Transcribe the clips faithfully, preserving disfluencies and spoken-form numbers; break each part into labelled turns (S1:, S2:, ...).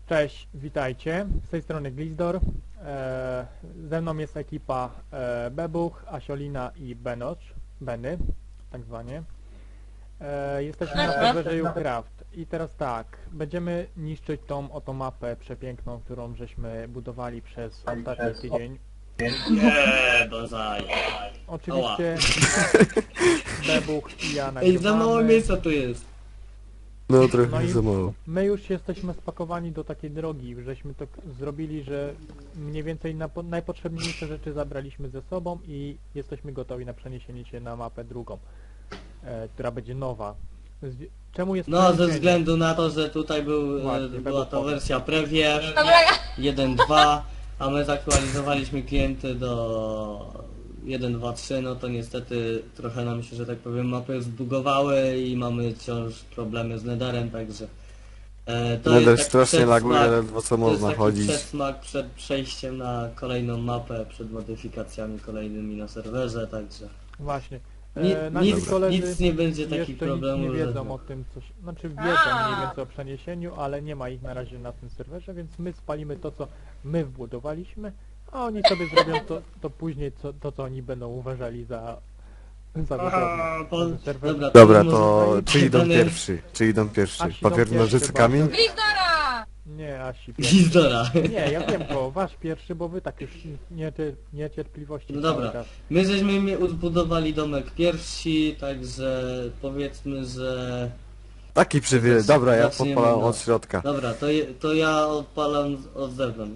S1: Cześć, witajcie. Z tej strony Glizdor. E, ze mną jest ekipa e, Bebuch, Asiolina i Benocz, Beny, tak zwanie. E, jesteśmy na serwerze Ucraft. I teraz tak, będziemy niszczyć tą oto mapę przepiękną, którą żeśmy budowali przez ostatni tydzień.
S2: Nie, bonsai.
S1: Oczywiście Bebuch i ja
S2: Ej, za mało
S1: nagrywamy.
S2: miejsca tu jest.
S3: No trochę
S1: No i
S3: za mało.
S1: my już jesteśmy spakowani do takiej drogi, żeśmy to k- zrobili, że mniej więcej na, najpotrzebniejsze rzeczy zabraliśmy ze sobą i jesteśmy gotowi na przeniesienie się na mapę drugą, e, która będzie nowa. Z, czemu jest
S2: No, ze
S1: przeniesienie?
S2: względu na to, że tutaj był,
S1: Właśnie,
S2: e, była
S1: będą
S2: to
S1: powiem.
S2: wersja Preview
S4: Dobra,
S2: jeden dwa, a my zaktualizowaliśmy klienty do jeden dwa trzy, no to niestety trochę nam się, że tak powiem, mapy zbugowały i mamy wciąż problemy z Netherem, także... E, to
S3: Nether
S2: jest taki
S3: strasznie
S2: przedsmak-
S3: laguje, ledwo co
S2: To jest
S3: można
S2: taki
S3: chodzić.
S2: przedsmak przed przejściem na kolejną mapę, przed modyfikacjami kolejnymi na serwerze, także...
S1: Właśnie.
S2: Ni-
S1: E, nasi
S2: nic,
S1: koledzy
S2: nic nie będzie takich
S1: jeszcze
S2: problemów.
S1: nic nie
S2: że-
S1: wiedzą o tym, coś, znaczy wiedzą
S4: A.
S1: mniej więcej o przeniesieniu, ale nie ma ich na razie na tym serwerze, więc my spalimy to, co my wbudowaliśmy, a oni sobie zrobią to, to później, co, to, co oni będą uważali za, za
S2: Aha,
S1: wygodne.
S2: po-
S1: Na tym serwerze.
S2: dobra,
S3: Dobra,
S2: może
S3: to
S2: tutaj
S3: czy idą
S2: dane-
S3: pierwszy? Czy idą pierwszy?
S1: Asi idą
S3: Papier,
S1: pierwszy,
S3: nożyce,
S1: bo-
S3: kamień?
S4: Glizdora!
S1: Nie, Asi pierwszy.
S2: Gizdora.
S1: Nie, ja wiem go, wasz pierwszy, bo wy tak już niecie, niecierpliwości
S2: No
S1: cały
S2: dobra.
S1: czas.
S2: My żeśmy mi odbudowali domek pierwsi, także powiedzmy, że...
S3: Taki przywilej. Dobra, ja
S2: Zaczniemy,
S3: podpalam
S2: no.
S3: od środka.
S2: Dobra, to, je, to ja odpalam z- od zewnątrz.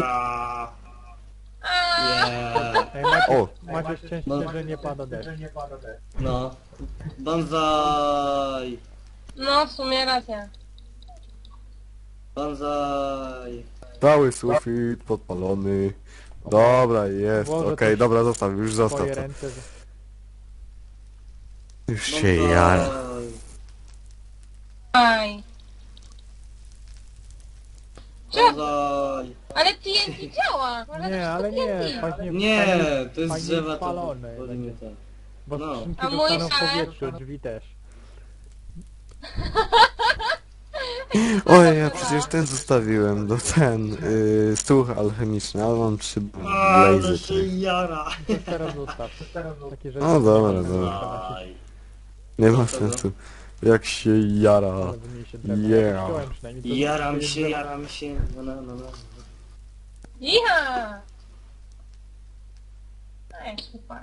S2: Yeah.
S1: Ej, macie,
S3: O!
S1: macie szczęście,
S2: No.
S1: że nie pada deszcz.
S2: No. Banzai!
S4: No, w sumie racja.
S2: Banzai!
S3: Cały sufit podpalony. Dobra, jest.
S1: Włożę
S3: Okej,
S1: to
S3: dobra, zostaw, już zostaw
S1: Twoje
S3: to.
S1: ręce, że...
S3: Już się jara.
S4: Aj.
S2: Banzai!
S4: Ale T N T działa! Można
S1: Nie,
S4: też
S1: ale
S4: to
S1: nie,
S4: T N T.
S1: właśnie
S2: Nie,
S1: fajnie-
S2: to jest
S1: fajnie
S2: drzewa, to
S1: spalone
S2: powinny
S1: będzie.
S2: ten.
S1: Bo
S2: No.
S1: skrzynki
S4: A mój
S1: zostaną w
S4: szef?
S1: powietrzu, drzwi też.
S3: Oj, ja przecież ten zostawiłem, do ten, yy, stół alchemiczny, ale mam trzy
S2: Ale
S3: blazy.
S2: się jara!
S1: To teraz zostaw. Takie rzeczy.
S3: No dobra,
S1: nie
S3: dobra.
S1: można nosić,
S3: Nie ma sensu. Jak się jara.
S1: ale wymniejszy drewno.
S3: Yeah.
S1: Wziąłem przynajmniej, to- to
S2: Jaram
S1: jest
S2: się,
S1: drewno.
S2: jaram się. No, no, no, no.
S4: Iha! Ej, super.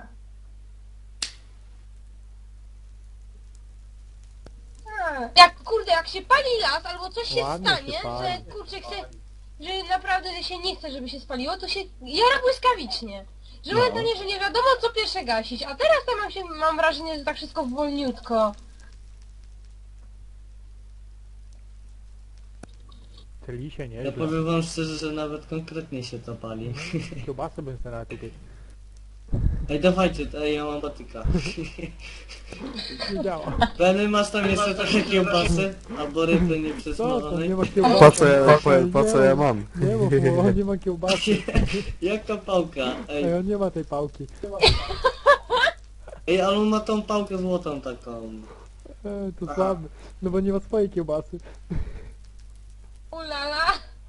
S4: A, Jak, kurde, jak się pali las, albo coś się
S1: Ładnie się
S4: stanie,
S1: pali.
S4: że, kurczę, chce, że naprawdę że się nie chce, żeby się spaliło, to się jara błyskawicznie. Że
S2: No.
S4: no. nie, że nie wiadomo, co pierwsze gasić, a teraz to mam, się, mam wrażenie, że tak wszystko wolniutko.
S1: Tyli się
S2: Ja
S1: nieźle.
S2: powiem wam szczerze, że nawet konkretnie się to pali.
S1: Kiełbasy bym sobie nawet kupił.
S2: Ej, dawajcie, ej, ja mam batyka.
S1: Nie działa.
S2: Benny, masz tam jeszcze trochę kiełbasy? Albo ryby
S1: Co to? Nie
S2: nieprzesmażonej?
S1: ma kiełbasy.
S3: Po co ja, po,
S1: Ej,
S3: po
S1: nie,
S3: co ja mam?
S1: Nie mów mu, on nie ma kiełbasy.
S2: Jak ta pałka?
S1: Ej,
S2: Ej,
S1: on nie ma tej pałki.
S2: ej, ale on ma tą pałkę złotą taką.
S1: Ej, to słaby. No bo nie ma swojej kiełbasy.
S4: Ulala!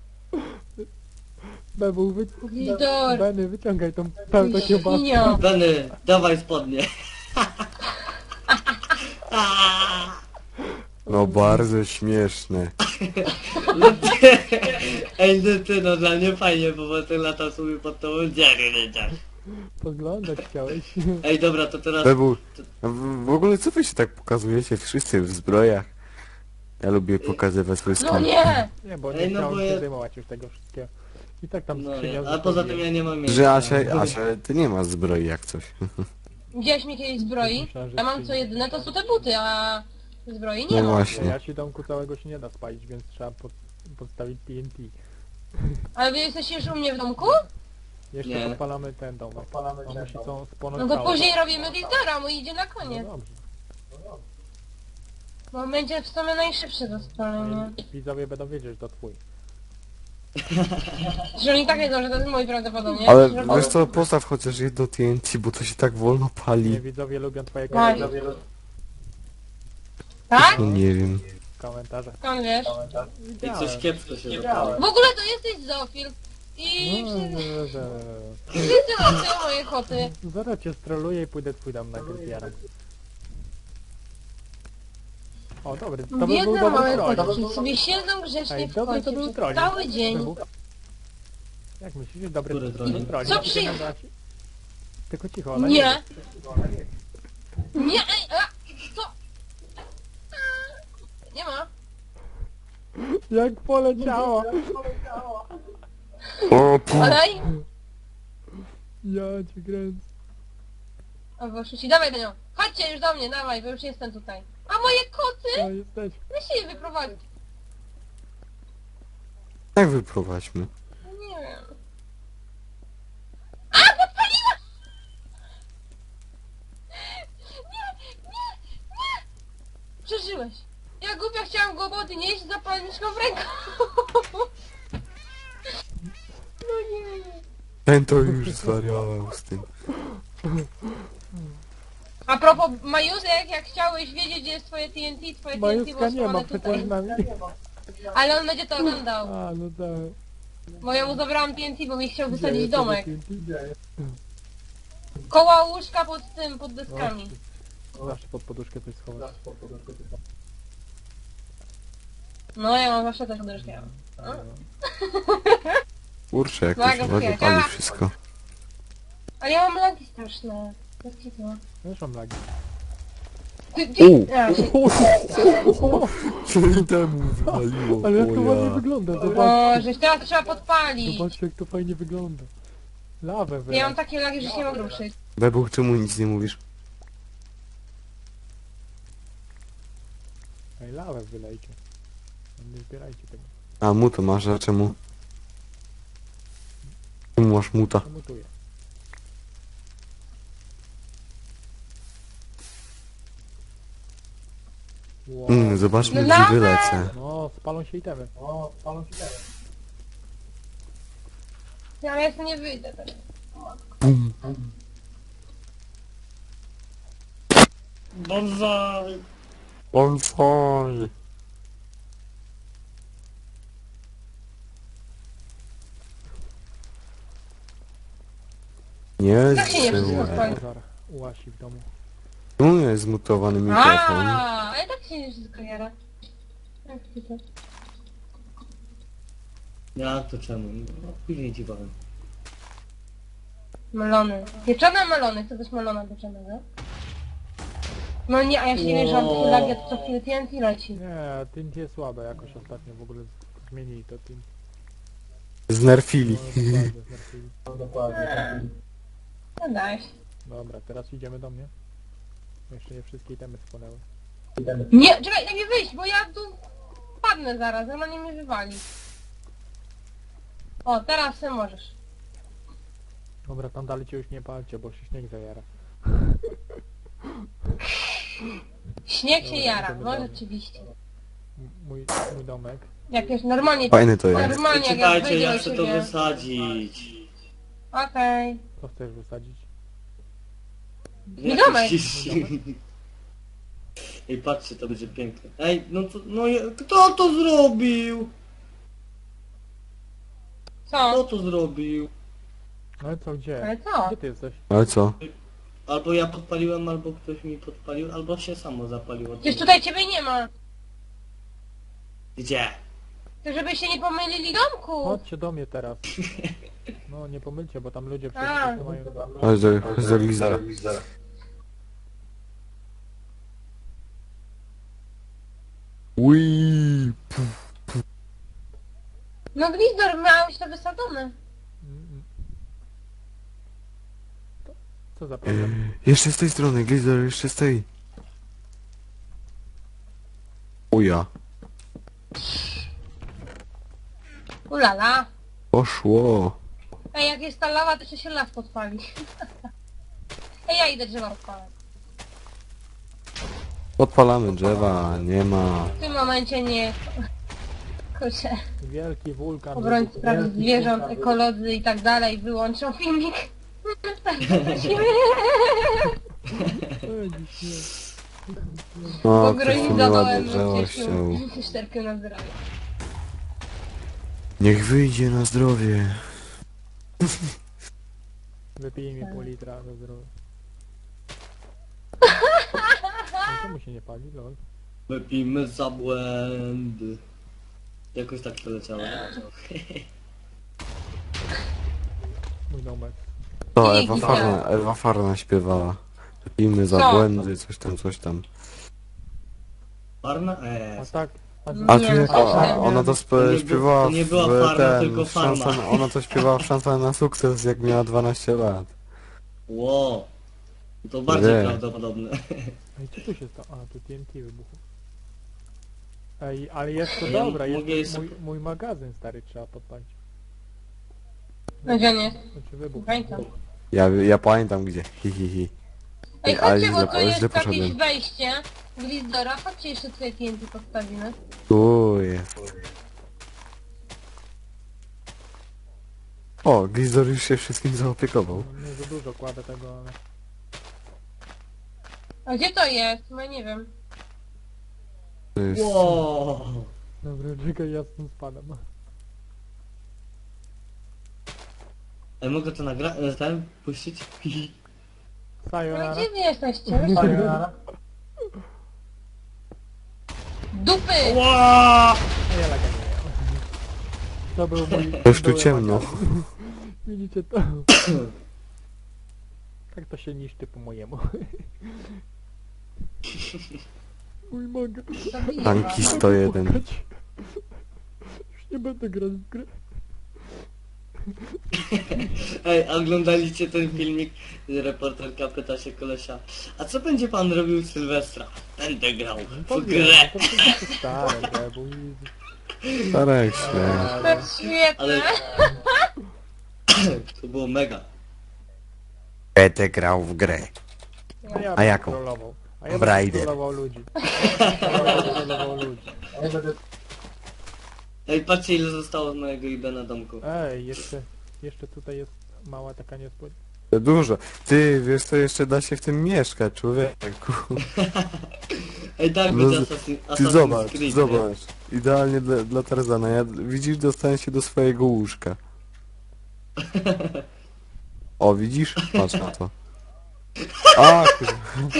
S1: Bebu, wy...
S4: Glizdor!
S1: Benny, wyciągaj tą pełną kiełbasę.
S4: Świnio!
S2: Benny, dawaj spodnie.
S3: No bardzo śmieszne.
S2: Ej, no ty, no dla mnie fajnie, bo potem lata sobie pod tą dziarę, dziarę.
S1: Podglądać chciałeś.
S2: Ej, dobra, to teraz...
S3: Bebu, w, w ogóle co wy się tak pokazujecie wszyscy w zbrojach? Ja lubię pokazywać swój
S4: No
S3: stan.
S4: nie!
S1: Nie, bo nie
S2: Ej, no
S1: chciałem
S2: bo
S1: się
S2: ja-
S1: zdejmować już tego wszystkiego. I tak tam
S2: No
S1: skrzynia
S2: nie, a poza tym
S1: zostawiłem.
S2: ja nie mam miejsca.
S3: Że Asia, Asia, ty nie masz zbroi jak coś.
S4: Widziałeś mnie kiedyś zbroi?
S1: Myślałem, że
S4: Ja mam
S1: ty-
S4: co jedyne, to są te buty, a zbroi nie
S3: No
S4: mam.
S3: właśnie.
S1: Ja ci domku całego się nie da spalić, więc trzeba pod, podstawić T N T.
S4: Ale wy jesteście już u mnie w domku?
S1: Jeszcze
S2: Nie.
S1: podpalamy ten dom. Podpalamy On musi co spłonąć
S4: No to
S1: cały.
S4: później robimy Glizdora, mój idzie na
S1: No
S4: koniec.
S1: dobrze.
S4: Bo będzie w sumie najszybsze do spalenia.
S1: Widzowie będą wiedzieć, że to twój.
S4: Że oni tak wiedzą, że to jest mój prawdopodobnie.
S3: Ale
S4: Że-
S3: wiesz co, postaw chociaż jedno T N T, bo to się tak wolno
S1: Nie,
S3: pali.
S1: widzowie lubią twojego
S4: Tak.
S1: widzowie lu-
S4: Tak?
S3: No nie wiem.
S1: Komentarze.
S4: Skąd wiesz?
S2: I coś kiepsko się zapało.
S4: W ogóle to jesteś zofil. I
S1: No,
S4: wszyscy,
S1: że- że-
S4: wszyscy losują moje koty.
S1: Zaraz cię stroluję i pójdę twój dom na zjarem. O, dobry, to by był
S4: Biedne
S1: dobry
S4: małe
S1: troll.
S4: kotki sobie siedzą grzecznie
S1: Ej,
S4: w
S1: dobry
S4: kocie
S1: to był
S4: przez
S1: troll.
S4: cały dzień.
S1: Wybuch. Jak myślisz, dobry
S2: Który
S1: dobry
S2: troll?
S1: troll?
S4: Co
S1: Nie
S4: przy-
S1: wygląda ci- Tylko cicho, ona
S4: Nie. Nie, ej, a, co? Nie ma.
S1: Jak poleciała!
S3: O, pu...
S4: Olej.
S1: Ja cię kręcę.
S4: O, wyszuci, dawaj do nią. Chodźcie już do mnie, dawaj, bo już jestem tutaj. A moje koty?
S1: To jesteś.
S4: Weź się je wyprowadzić.
S3: Jak wyprowadźmy?
S4: Nie wiem. A, podpaliła! Nie, nie, nie! Przeżyłeś. Ja głupia chciałam go obody nieść z zapalniczką w ręku. No nie.
S3: Ten to już zwariował z tym.
S4: A propos Majusek, jak chciałeś wiedzieć, gdzie jest twoje T N T, twoje T N T
S1: Majuska
S4: było
S1: nie ma
S4: schowane
S1: przecież
S4: tutaj.
S1: z nami.
S4: Ale on będzie to oglądał.
S1: A, no tak.
S4: Bo ja mu zabrałam T N T, bo mi chciał wysadzić
S1: Dzieje,
S4: domek.
S1: to dzieje.
S4: Koło łóżka pod tym, pod deskami.
S1: Zawsze pod poduszkę coś schować.
S4: No ja mam zawsze też podróżkę.
S3: Kurczę, jakoś
S4: Uwaga,
S3: uwaga
S4: chwilę.
S3: pali wszystko.
S4: Ale ja mam lagi straszne. Jak ci to?
S1: Wiesz, mam lagi.
S4: Ty, ty,
S3: U.
S4: a, się,
S3: Czyli temu wywaliło,
S1: Ale jak to
S3: o
S1: ładnie
S3: ja.
S1: wygląda,
S4: o,
S1: zobaczcie.
S4: żeś teraz trzeba podpalić.
S1: Zobaczcie jak to fajnie wygląda. Lawę
S4: Ja
S1: wylać.
S4: mam takie lagi, że się nie mogę ruszyć.
S3: Bebuch, czemu nic nie mówisz?
S1: Ej, lawę wylejcie. Nie zbierajcie tego.
S3: A, mu to masz, a czemu? Czemu masz muta?
S1: Mutuję. Wow.
S3: Mm, zobaczmy,
S4: Lawę!
S3: gdzie wylecę.
S1: No, spalą się itemy. O, spalą się itemy.
S4: Ja, ale ja sobie nie wyjdę teraz.
S3: Bum.
S2: Bonsai!
S3: Bonsai. Nie
S4: Tak się nie
S3: zżyłem.
S4: wszystko
S1: Pożar ułasi w domu.
S3: Czemu jest zmutowany mikrofon?
S4: A, ale tak się nie wszystko jara. Jak ty to?
S2: Ja to czemu? No później ci powiem.
S4: Melony. Pieczone melony. Chcę też melona pieczonego. No nie, a ja się nie wiem, że mam takie lagi, a to co chwilę T N T leci.
S1: Nie, T jest słabe jakoś ostatnio w ogóle z- zmienili to Tint.
S3: Znerfili.
S1: No, dokładnie, znerfili.
S4: No daj.
S1: Dobra, teraz idziemy do mnie. Jeszcze nie wszystkie itemy spłonęły.
S4: Nie, czekaj, daj mi wyjść, bo ja tu padnę zaraz, ona nie mnie wywali. O, teraz ty możesz.
S1: Dobra, tam dalej cię już nie palcie, bo się śnieg zajara.
S4: Śnieg się
S1: Dobra,
S4: jara,
S1: idziemy
S4: no
S1: dalej.
S4: rzeczywiście.
S1: M- Mój, mój domek.
S4: Jak już normalnie...
S3: Fajny to jest.
S4: Normalnie jak ja
S2: Czekajcie,
S4: wejdę
S2: ja
S4: do
S2: chcę to
S4: siebie.
S2: wysadzić.
S4: Okej.
S1: Co chcesz wysadzić?
S2: Nie
S4: domek.
S2: Ej, patrzcie, to będzie piękne. Ej, no to, no je- kto to zrobił? Kto
S4: Co?
S2: to zrobił?
S1: No ale co, gdzie?
S4: Ale co?
S1: Gdzie ty jesteś?
S3: Ale co?
S2: Albo ja podpaliłem, albo ktoś mi podpalił, albo się samo zapaliło.
S4: Przecież tutaj ciebie nie ma.
S2: Gdzie?
S4: To żeby się nie pomylili domku.
S1: Chodźcie do mnie teraz. No nie pomylcie, bo tam ludzie przecież
S4: A.
S1: to mają...
S3: Chodź do, chodź do Lizara. Ui.
S4: No Gwizdor, miałeś to wysadzone.
S1: Mm, mm. To- Co za problem?
S3: Jeszcze z tej strony, Glizor, jeszcze z tej. Uja.
S4: Ulala.
S3: Poszło.
S4: Ej, jak jest ta lawa, to się las podpali. Ej, ja idę drzewa odpalać.
S3: Podpalamy drzewa, nie ma.
S4: W tym momencie nie... Kurczę,
S1: Wielki wulkan.
S4: obrońcy praw zwierząt, ekolodzy i tak dalej wyłączą filmik. Tak, prosimy.
S1: Ej, dziś nie.
S3: O, ktoś tu nieładnie
S4: Pogronizowałem
S3: drzewo ściął.
S4: czterkę na zdrowie.
S3: Niech wyjdzie na zdrowie.
S1: Wypij mi pół litra do zdrowia. No, czemu się nie pali, lol?
S2: Wypijmy za błędy. Jakoś tak to leciało.
S1: Mój domek.
S3: To
S4: Nie,
S3: Ewa
S4: nie.
S3: Farna, Ewa Farna śpiewała. Pijmy za
S4: Co?
S3: błędy, coś tam, coś tam.
S2: Farna?
S1: A
S2: Eee.
S1: tak, a,
S3: A
S4: Nie,
S3: czy jak
S4: to
S3: ona,
S4: nie.
S3: ona to
S2: To
S3: spe,
S2: nie był-
S3: śpiewała
S2: to nie była
S3: w
S2: farma,
S3: ten,
S2: tylko
S3: w szanson,
S2: farma.
S3: ona to śpiewała w szansonę na sukces, jak miała dwanaście lat.
S2: Ło. To bardziej
S3: Nie.
S2: prawdopodobne.
S1: Ej, co tu się stało? A, tu T N T wybuchło. Ej, ale jest to
S2: Ja
S1: dobra,
S2: mogę
S1: jest
S2: jeszcze-
S1: mój, mój magazyn stary trzeba podpalić.
S4: No gdzie on jest?
S1: Znaczy wybuch.
S4: Pamiętam.
S3: Ja, ja pamiętam gdzie. Hi, hi, hi.
S4: Ej,
S3: ale
S4: chodźcie, bo
S3: źle-
S4: tu
S3: ale
S4: jest
S3: źle
S4: jakieś
S3: poszedłem.
S4: wejście. Glizdora, chodźcie jeszcze tutaj T N T postawimy.
S3: Tu jest. O, Glizor już się wszystkim zaopiekował.
S1: No, nie za dużo kładę tego, ale...
S4: A gdzie to jest? No nie wiem.
S3: To jest...
S2: Ło.
S1: Dobra, czekaj, ja stąd spadam.
S2: Ej, mogę to nagrać? Ten? Puścić?
S4: No
S1: Sayonara.
S4: gdzie wy jesteście? Dupy!
S2: Ło.
S1: A ja laga nie miałem. To był mój...
S3: Już tu
S1: były
S3: ciemno.
S1: magazyn. Widzicie to? Tak to się niszczy po mojemu. Mój magazyn.
S4: Zabiję
S3: Tanki
S4: was.
S3: sto jeden.
S1: Już nie będę grać w grę.
S2: Ej, a oglądaliście ten filmik? Reporterka pyta się kolesia. A co będzie pan robił w Sylwestra? Będę grał
S1: To
S2: w
S1: wiem,
S2: grę.
S1: to przecież stare, grę, bo easy.
S3: Starek się.
S4: To jest świetne.
S2: Ale... To było mega.
S3: Będę grał w grę.
S1: A, ja
S3: A
S1: bym
S3: jaką?
S1: trollował. A ja
S3: W
S1: bym
S3: Raider.
S1: trollował ludzi. Ja bym trollował ludzi.
S2: Ej, patrzcie ile zostało z mojego I B na domku.
S1: Ej, jeszcze, jeszcze tutaj jest mała taka niespodzianka.
S3: Dużo. Ty, wiesz co, jeszcze da się w tym mieszkać, człowieku.
S2: Ej, tak
S3: No,
S2: będzie
S3: z-
S2: Assassin,
S3: Ty
S2: Assassin's
S3: zobacz,
S2: Creed, nie?
S3: zobacz. Idealnie dla, dla Tarzana. Ja, widzisz, dostałem się do swojego łóżka. O, widzisz? Patrz na to. A, kurwa.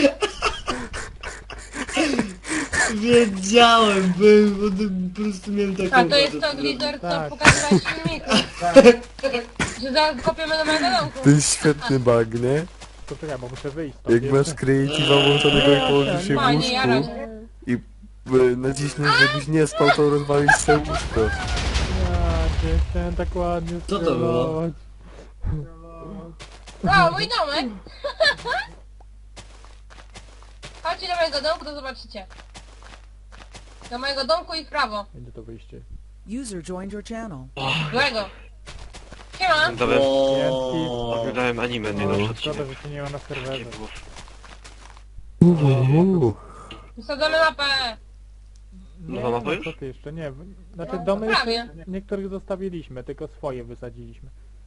S2: Wiedziałem, byłem, bo to po prostu miałem taką...
S4: A to jest
S2: ochotę
S4: to Glidor, co
S1: Tak.
S4: pokazywałeś w filmiku. Że zaraz kopiemy do mojego domku.
S3: To jest świetny bug, nie?
S1: To czekaj, bo muszę wyjść stąd.
S3: Jak masz creative'a włączonego i położysz się w
S4: Fajnie, ja
S3: łóżku
S4: razie.
S3: i e, naciśniesz, żebyś nie spał, to rozwalisz sobie łóżko.
S1: Ja cię chciałem tak ładnie
S2: Co to było?
S1: strollować.
S4: O, mój domek! Chodźcie do mojego domku, to zobaczycie. Do mojego domku i w prawo.
S1: Będzie to wyjście.
S5: User joined your channel.
S4: Złego. Siema.
S6: Oglądałem,
S2: O.
S6: oglądałem anime, nie
S1: O,
S6: nowy
S1: szkoda,
S6: odcinek.
S1: że się nie ma na serwerze.
S6: Takie było.
S3: Uuu.
S4: Wsadzamy mapę.
S1: Nie,
S6: Nowa mapa
S1: no
S6: już?
S1: co ty jeszcze? Nie. w- Znaczy
S4: No,
S1: domy
S4: prawie.
S1: jeszcze niektórych zostawiliśmy, tylko swoje wysadziliśmy.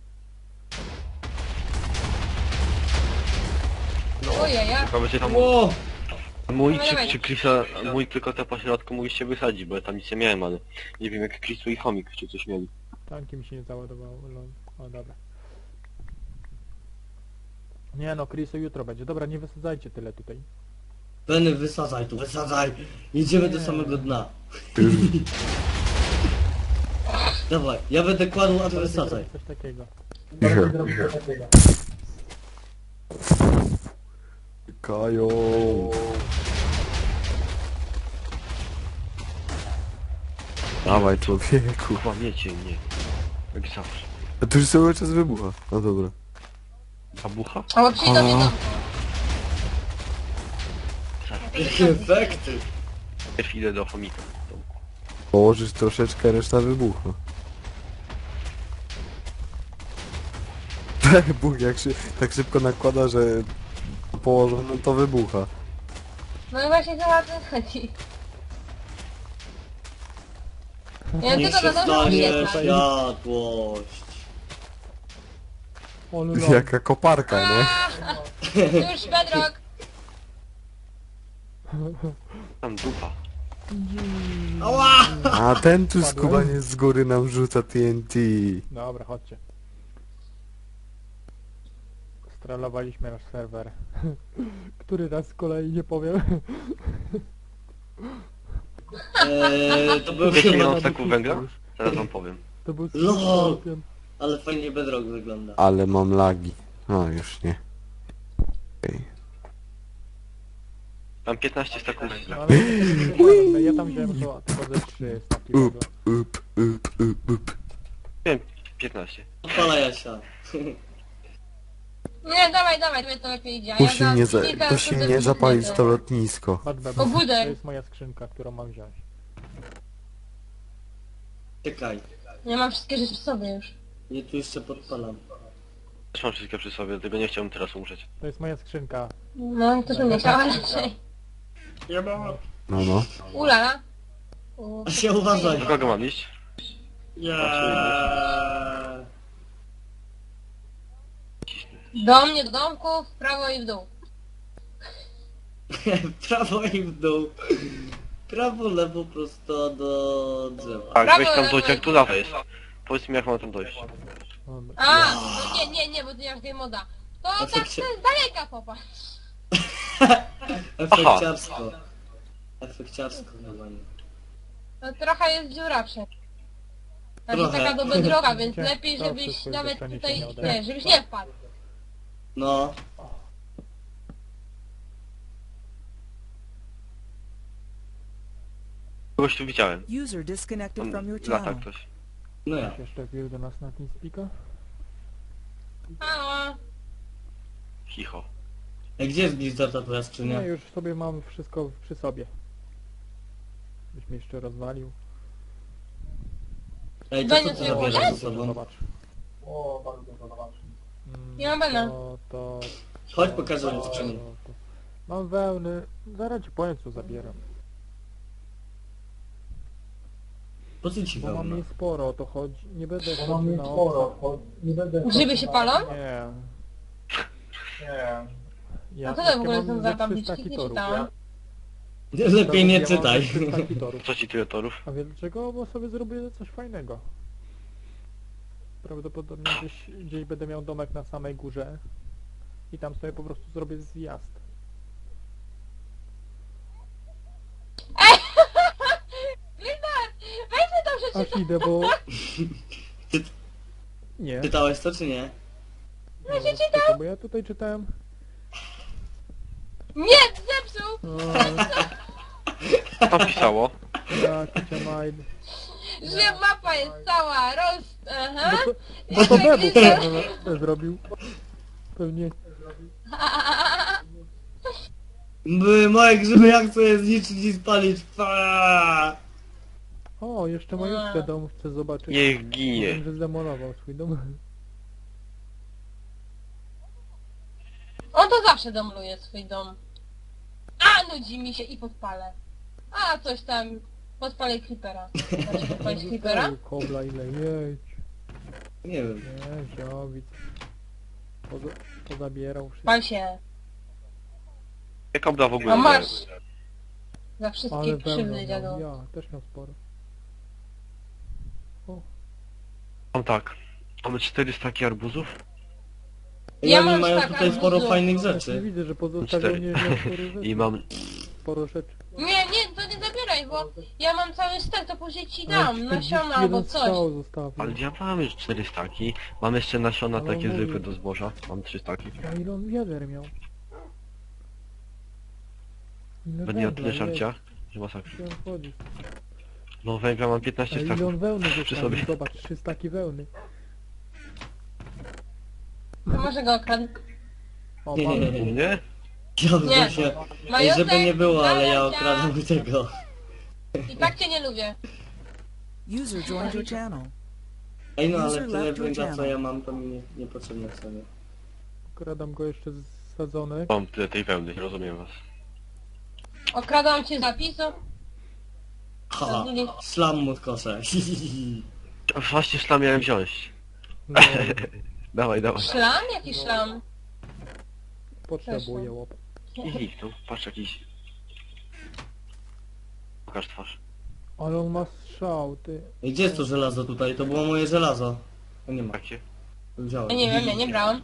S4: Ojej, ja.
S6: Chyba będzie tam
S2: Ło.
S6: mój
S4: Dawaj,
S6: czy,
S4: dawaj.
S6: czy Chrisa, mój tylko te po środku mogliście wysadzić, bo ja tam nic nie miałem, ale nie wiem jak Chrisu i Chomik czy coś mieli.
S1: Tanki mi się nie załadowało. Lol. O, dobra. Nie no, Chriso jutro będzie. Dobra, nie wysadzajcie tyle tutaj.
S2: Benny, wysadzaj tu, wysadzaj. Jedziemy do samego dna. Dawaj, ja będę kładł, a ty wysadzaj.
S1: Coś takiego.
S3: Kają. Dawaj, człowieku.
S6: Kurwa, wiecie mnie. Jak zawsze.
S3: A tu już cały czas wybucha. No dobra.
S6: Babucha?
S4: O, przyjdź do mnie domku.
S2: Jakie efekty.
S6: Najpierw idę do Chomika.
S3: Położysz troszeczkę, reszta wybucha. Tak, Bóg, jak się tak szybko nakłada, że położono, to wybucha.
S4: No i właśnie chyba o to chodzi. Ja
S2: Niech
S4: tylko
S2: się
S4: do domu
S2: stanie
S4: uciekam.
S2: światłość.
S1: O, lol.
S3: Jaka koparka, nie?
S4: Już, Bedrock.
S6: Tam dupa.
S2: Ała!
S3: A ten tu
S1: Padłem.
S3: skubaniec z góry nam rzuca T N T.
S1: Dobra, chodźcie. Strolowaliśmy nasz serwer. Który raz z kolei nie powiem.
S2: Eee, to był
S6: Wiecie ile
S2: chyba...
S6: mam staków węgla? Zaraz wam powiem.
S1: To był
S2: Lol.
S1: Skorpion.
S2: Ale fajnie Bedrock wygląda.
S3: Ale mam lagi. No już nie. Okej.
S6: Mam piętnaście staków
S1: No,
S6: węgla.
S1: ale ja, ja tam wziąłem to, tylko ze trzy staki węgla.
S3: Up, up, up, up, up.
S6: Wiem, piętnaście.
S2: Odpala Jasia.
S4: Nie, dawaj, dawaj, tobie to lepiej idzie. a
S3: Musi
S4: za
S3: mnie, za,
S4: kilka
S3: musi
S4: razy
S3: mnie zapalić
S4: wybuchnięte.
S3: to lotnisko.
S1: Patrz, Bebo,
S4: Obudek.
S1: to jest moja skrzynka, którą mam wziąć.
S2: Czekaj.
S4: Ja mam wszystkie rzeczy w sobie już.
S2: Ja tu jeszcze podpalam.
S6: Też mam wszystko przy sobie, dlatego nie chciałbym teraz umrzeć.
S1: To jest moja skrzynka.
S4: No, to bym nie chciała raczej.
S3: No no.
S4: Ulala. U,
S2: A się uważaj.
S6: Do kogo mam iść?
S2: Yeah.
S4: Do mnie, do domku, w prawo i w dół.
S2: Prawo i w dół. Prawo, lewo, prosto do drzewa.
S6: Tak,
S4: Brawo,
S6: weź tam
S4: brawo.
S6: dojść, jak tu lawa jest. Powiedz mi jak mam tam dojść.
S1: Dobra.
S4: A, no nie, nie, nie, bo ty nie masz game moda. To
S2: A
S4: tak
S2: co się-
S4: z daleka popatrz.
S2: Efekciarsko. Efekciarsko chyba nie.
S4: To trochę jest dziura przed. Znaczy
S2: Trochę.
S4: taka do bedroga, więc
S1: Cię-
S4: lepiej
S1: to
S4: żebyś
S1: wszystko
S4: nawet
S1: jest
S4: tutaj,
S1: przeniesienie
S4: nie, żebyś nie wpadł.
S2: No.
S6: Kogoś tu widziałem.
S5: User disconnected from
S6: Tam
S5: your
S6: lata
S5: channel.
S6: ktoś.
S2: No ja.
S1: Ktoś jeszcze wbił do nas na TeamSpeaka?
S4: Halo.
S6: Chicho.
S2: A gdzie jest Blizzard ta twoja
S1: Nie,
S2: skrzynia?
S1: już sobie mam wszystko przy sobie. Byś mnie jeszcze rozwalił.
S2: Ej, to co
S4: Będzie
S2: ty
S4: sobie
S2: zabierasz
S4: poszedł?
S2: ze sobą?
S1: Zobacz. O, bardzo zobacz.
S4: Nie mam bana.
S1: To, to,
S2: Chodź
S1: to,
S2: pokażę mi
S1: to,
S2: skrzynię.
S1: to. Mam wełny. Zaraz ci powiem co zabieram.
S2: Po co ci
S1: Bo mam
S2: wełna?
S1: jej sporo, o to chodzi. Nie będę chodził na obca.
S4: Grzyby się palą?
S1: Nie. Nie. Ja
S4: A co to w ogóle
S1: mam
S4: są
S1: ze
S4: za
S1: trzysta
S4: tabliczki? Nie
S1: kitorów.
S4: czytałam.
S2: Lepiej nie
S1: Ja mam ze
S2: czytaj.
S1: trzysta kitorów.
S6: Co ci tyle torów?
S1: A wie dlaczego? Bo sobie zrobię coś fajnego. Prawdopodobnie gdzieś, gdzieś będę miał domek na samej górze i tam sobie po prostu zrobię zjazd.
S4: Blizzard! Weź mnie tam przeczytaj!
S1: Aż idę, bo...
S2: Ty-
S1: Nie.
S2: Czytałeś to czy nie?
S1: No, czekaj, bo ja tutaj czytałem...
S4: Nie, zepsuł!
S1: O,
S6: Co tam pisało?
S1: ja, Kicia Maid.
S4: Że mapa jest cała roz... Aha.
S1: Bo to Bebu pewnie zrobił. Pewnie.
S2: By moje grzyby jak chcę zniszczyć i spalić. Fa!
S1: O, jeszcze majówkę dom chcę zobaczyć.
S6: Niech ginie.
S1: Wiem, że zdemolował swój dom.
S4: On to zawsze domluje swój dom. A, nudzi mi się i podpalę. A, coś tam... Podpalę creepera. Znaczy podpalić creepera?
S1: Kobla ile jedź.
S2: Nie wiem.
S1: Nie, ziowic. Poza, pozabierał wszystko.
S4: Pal się.
S6: Jak obda w ogóle
S4: A
S6: nie.
S4: masz. Za
S1: Ale
S4: wszystkie krzywdy,
S1: wełna,
S4: dziadu.
S1: no, ja też miał sporo.
S6: Mam tak. Mamy cztery staki arbuzów.
S2: I
S4: Ja
S2: oni
S4: mam
S2: mają
S4: tak
S2: tutaj sporo
S4: arbuzów.
S2: fajnych
S1: Właśnie
S2: rzeczy.
S1: widzę, że pozostawiał
S6: Cztery.
S1: nieźle sporo rzeczy.
S6: I mam...
S1: Sporo rzeczy.
S4: Nie, nie, to nie zabieraj, bo ja mam cały stek, to później ci
S1: Ale
S4: dam, nasiona
S1: czterdzieści
S4: albo
S1: jeden
S4: coś.
S1: strzał zostawił.
S6: Ale ja mam już cztery staki. Mam jeszcze nasiona
S1: Ale
S6: takie
S1: on
S6: zwykłe
S1: mówi-
S6: do zboża. Mam trzy staki.
S1: A ile on wiader miał? Ile
S6: Będę miał
S1: węgla,
S6: tyle
S1: jedź,
S6: żarcia, że masakra.
S1: gdzie on chodzi?
S6: No węgla mam
S1: A
S6: piętnaście
S1: ile
S6: staków.
S1: on wełny
S6: Przy
S1: zostawił?
S6: sobie.
S1: Zobacz, trzy staki wełny.
S4: To może go okradł.
S1: O,
S2: Nie, nie,
S1: mamy.
S2: nie,
S6: U
S2: nie.
S6: mnie?
S2: Ja
S4: Nie.
S2: bym się... Ej,
S4: Majostek,
S2: żeby nie było, ale ja
S4: Zaracia.
S2: okradam tego.
S4: I tak cię nie lubię.
S5: User joined your channel.
S2: Ej no, ale
S5: User
S2: tyle
S5: left your
S2: węgla co
S5: channel.
S2: ja mam, to mi nie, niepotrzebne sobie.
S1: Kradam go jeszcze z sadzonek.
S6: Mam tyle tej wełny, rozumiem was.
S4: Okradam cię z zapisu.
S2: Ha! Szlam mu w kosze.
S6: A Właśnie szlam miałem wziąć.
S1: No,
S6: Dawaj, dawaj.
S4: Szlam? Jaki szlam?
S1: potrzebuję łop.
S6: I zniknął. Patrz jakiś... Pokaż twarz.
S1: Ale on ma strzał, ty.
S2: Ej, gdzie jest to żelazo tutaj? To było moje żelazo. A nie ma.
S6: Jakie?
S2: Wziąłem.
S4: Ja nie wiem, ja nie brałam.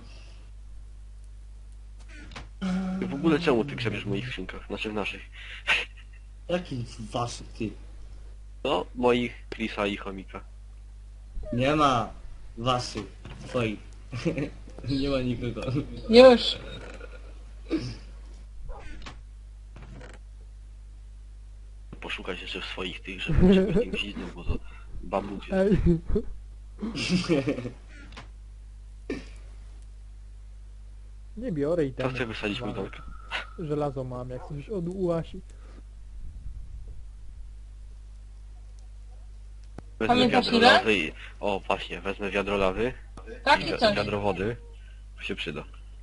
S6: W ogóle czemu ty grzebiesz w moich skrzynkach? Znaczy w naszych.
S2: Jaki waszych ty?
S6: No, moich, Chrisa i chomika.
S2: Nie ma waszych, twoich. Nie ma nikogo.
S4: Już.
S6: Poszukać jeszcze w swoich tych, żeby żeby z nim gwizdnął, bo to bambuk jest.
S1: Ej. Nie biorę i
S6: To
S1: tam.
S6: chcę wysadzić mój dom.
S1: Żelazo mam, jak coś od Uasi.
S6: Wezmę
S4: Pamiętasz
S6: wiadro
S4: ile?
S6: lawy i... O, właśnie, wezmę wiadro lawy i
S4: Takie
S6: wi-
S4: coś.
S6: wiadro wody. To się przyda.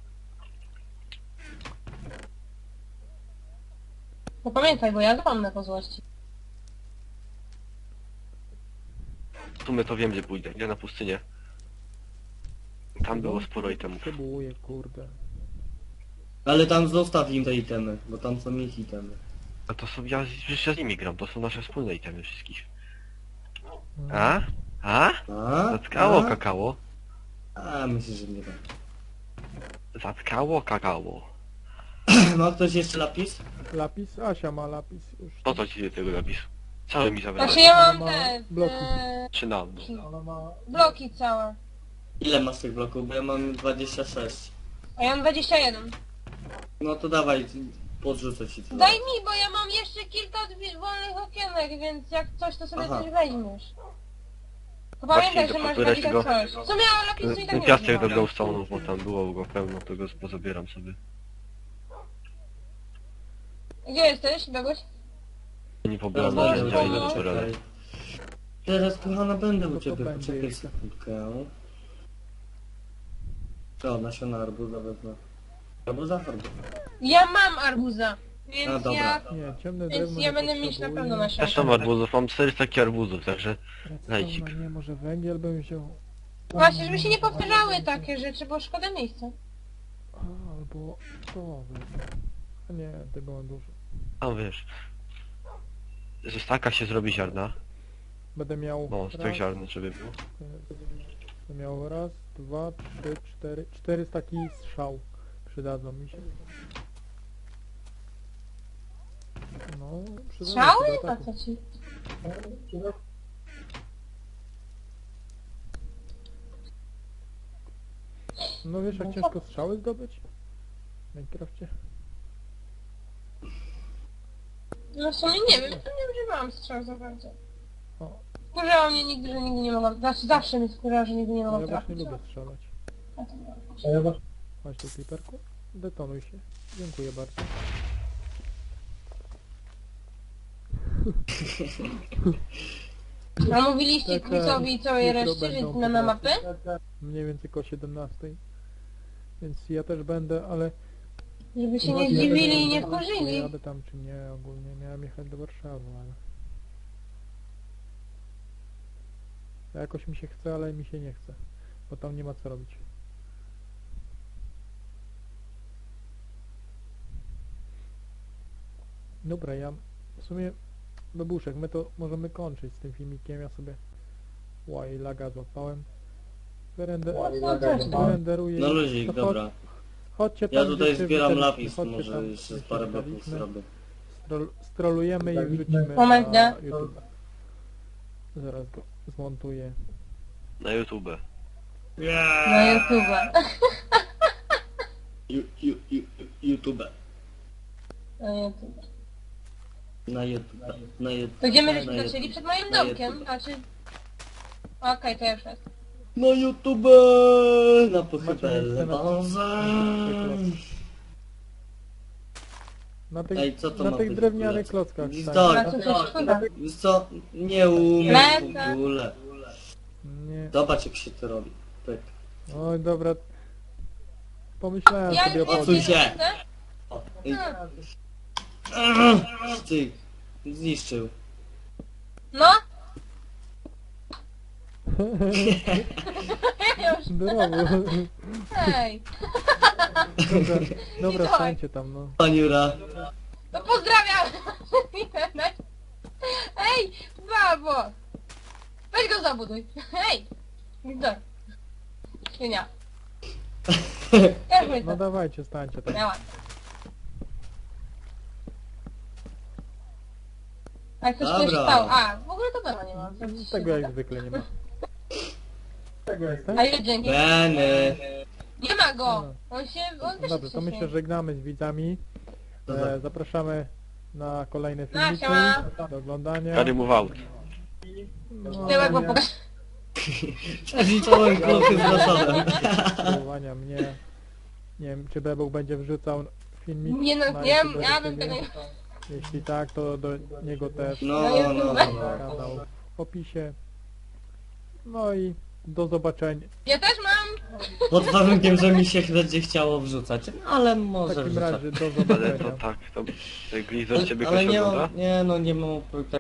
S4: No pamiętaj, bo ja zapomnę po złości.
S6: W sumie to wiem, gdzie pójdę. Idę na pustynię. Tam było sporo itemów.
S1: Potrzebuję, kurde.
S2: Ale tam zostaw im te itemy, bo tam są ich itemy.
S6: A to są... Ja, przecież ja z nimi gram, to są nasze wspólne itemy wszystkich.
S1: No.
S6: A? A?
S2: A?
S6: Zatkało
S2: A?
S6: kakao.
S2: A, myślę, że nie tak.
S6: Zatkało kakao.
S2: Ma ktoś jeszcze lapis?
S1: Lapis? Asia ma lapis już.
S6: Po co ci tego napisu? Cały mi zabrałeś.
S4: Znaczy ja mam
S1: Ma
S4: te...
S1: bloki.
S4: e,
S6: Czy nam?
S1: Ona ma...
S4: bloki całe.
S2: Ile masz tych bloków? Bo ja mam dwadzieścia sześć.
S4: A ja mam dwadzieścia jeden.
S2: No to dawaj, podrzucę ci tyle.
S4: Daj mi, bo ja mam jeszcze kilka drzwi- wolnych okienek, więc jak coś, to sobie
S2: Aha.
S4: coś weźmiesz. To
S6: Właśnie,
S4: pamiętaj,
S6: to
S4: że masz
S6: pozbierać
S4: taki
S6: go.
S4: coś. Co miała lapisu i tak
S6: Ten
S4: nie
S6: piasek do
S4: używam.
S6: glowstone'ów, bo tam było go pełno, to go pozabieram sobie.
S4: Gdzie jesteś, Begoś?
S6: Nie pobieram
S4: No,
S6: narzędzia,
S4: no,
S6: idę
S4: no.
S6: do Torela.
S2: Teraz kochana będę u
S1: To
S2: ciebie,
S1: będzie
S2: poczekaj
S1: jeszcze.
S2: sekundkę. To, nasiona arbuza wezmę. Arbuza? Arbuza.
S4: Ja mam arbuza,
S2: A,
S4: więc
S2: dobra.
S4: ja...
S1: Nie, ciemne
S4: Więc
S1: drewno
S4: ja
S1: nie
S4: będę mieć na
S1: potrzebuję.
S4: pewno na
S6: Też mam arbuzów, mam czterysta takich arbuzów, także... Lajcik.
S1: Redstone'a nie, może węgiel bym wziął.
S4: Właśnie, żeby się nie powtarzały takie rzeczy, bo szkoda miejsca.
S1: A, albo to wezmę. A nie, tego mam dużo.
S6: A wiesz... Ze staka się zrobi ziarna.
S1: Będę miał
S6: No, z
S1: raz,
S6: tych ziarn, żeby było.
S1: będę miał raz, dwa, trzy, cztery, cztery taki strzał. Przydadzą mi się. No, przydadzą
S4: Strzały?
S1: się do
S4: A
S1: ataku.
S4: co ci?
S1: No wiesz jak ciężko strzały zdobyć? W Minecrafcie?
S4: No w sumie nie wiem, to nie używałam strzał za bardzo.
S1: O,
S4: Wkurzało mnie nigdy, że nigdy nie mogłam... Znaczy zawsze mnie wkurzało, że nigdy nie
S1: no
S4: mogłam
S1: ja właśnie
S4: trafić.
S1: lubię strzelać.
S4: A to nie.
S1: Chodź tu kliperku. Detonuj się. Dziękuję bardzo.
S4: A mówiliście
S1: Tak,
S4: Chrisowi i całej
S1: jutro
S4: reszcie,
S1: będą
S4: więc na mapy?
S1: Mniej więcej koło siedemnastej. Więc ja też będę, ale...
S4: Żeby się nie
S1: Właśnie
S4: zdziwili i nie
S1: będę-
S4: wkurzyli.
S1: Jadę tam czy nie, ogólnie miałem jechać do Warszawy, ale... Jakoś mi się chce, ale mi się nie chce. Bo tam nie ma co robić. Dobra, ja w sumie Bebuszek, my to możemy kończyć z tym filmikiem, ja sobie łaj laga złapałem. Wyrender... Wyrenderuję.
S2: No
S1: i-
S2: luzik,
S1: to
S2: dobra.
S1: Chodź, chodźcie
S2: Ja
S1: tam,
S2: tutaj
S1: gdzie się
S2: zbieram
S1: witaliśmy,
S2: lapis,
S1: chodźcie
S2: może
S1: tam,
S2: jeszcze
S1: gdzie
S2: z
S1: się
S2: parę bloków
S1: witaliśmy.
S2: zrobię.
S1: Strol- Strolujemy i wrzucimy
S4: Moment,
S1: na
S4: nie?
S1: YouTube. Zaraz go zmontuję.
S6: Na YouTube.
S4: Na YouTube.
S2: Ju, ju, ju, YouTube.
S4: Na YouTube.
S2: Na YouTube. Na YouTube.
S4: To gdzie my
S2: Na
S4: żeśmy
S2: YouTube.
S4: zaczęli? Przed moim
S2: Na
S4: domkiem,
S2: YouTube.
S4: znaczy... Okej, to ja już jest.
S2: Na YouTube! Na pochybele
S1: na-
S2: bazę.
S1: Na tych,
S2: Ej, co to
S1: na
S2: ma
S1: tych
S2: być w
S1: drewnianych
S2: ogóle?
S1: klockach.
S2: Gwizdor.
S1: tak.
S4: Na co coś szkoda.
S2: Wiesz co? Nie umiem
S4: Lecę.
S2: w ogóle.
S1: Nie.
S2: Zobacz jak się to robi. Pyk.
S1: Oj, dobra. Pomyślałem
S4: Ja
S1: sobie o
S4: już nie
S2: Odsuń
S1: tym.
S2: się.
S4: chcę.
S2: O, ej.
S4: Hmm.
S2: Ty. Zniszczył.
S4: No! Już.
S1: Brawo.
S4: Hej!
S1: Dobra, dobra
S4: Dawaj.
S1: stańcie tam, no.
S2: Paniura.
S4: No pozdrawiam! Ej, babo! Weź go zabuduj. Hej! Gdor. Świnia. Ja
S1: No
S4: no
S1: dawajcie, stańcie tam.
S4: Miałam. A ktoś coś
S2: Dobra.
S4: stał. A, w ogóle to Bena nie ma.
S1: Tego jak zwykle nie ma. Tego jestem?
S4: A ile dzięki?
S2: Benny.
S4: Nie ma go! On się... On też
S1: Dobrze, to my się żegnamy z widzami.
S2: Dobra.
S1: E, zapraszamy na kolejne
S4: No,
S1: filmiki
S4: siema.
S1: do oglądania.
S6: Kary move out.
S1: No,
S4: Tyłek, bo
S1: nie,
S4: pokaż.
S2: Zliczyłem klochy z zasobem.
S1: subskrybowania mnie. Nie wiem, czy Bebuk będzie wrzucał filmik
S4: Nie no,
S1: na
S4: nie,
S1: YouTube
S4: ja
S1: do
S4: bym
S1: siebie?
S4: tego nie...
S1: Jeśli tak, to do niego też
S2: No, no, no.
S1: kanał w opisie. No i do zobaczenia.
S4: Ja też mam!
S2: Pod warunkiem, że mi się będzie chciało wrzucać. Ale
S1: W
S2: może
S1: takim
S2: wrzucać.
S1: razie do
S6: Ale
S1: zobaczenia.
S6: to tak, to Glizor ciebie
S2: Ale
S6: ktoś
S2: nie,
S6: ogląda?
S2: nie, no nie mam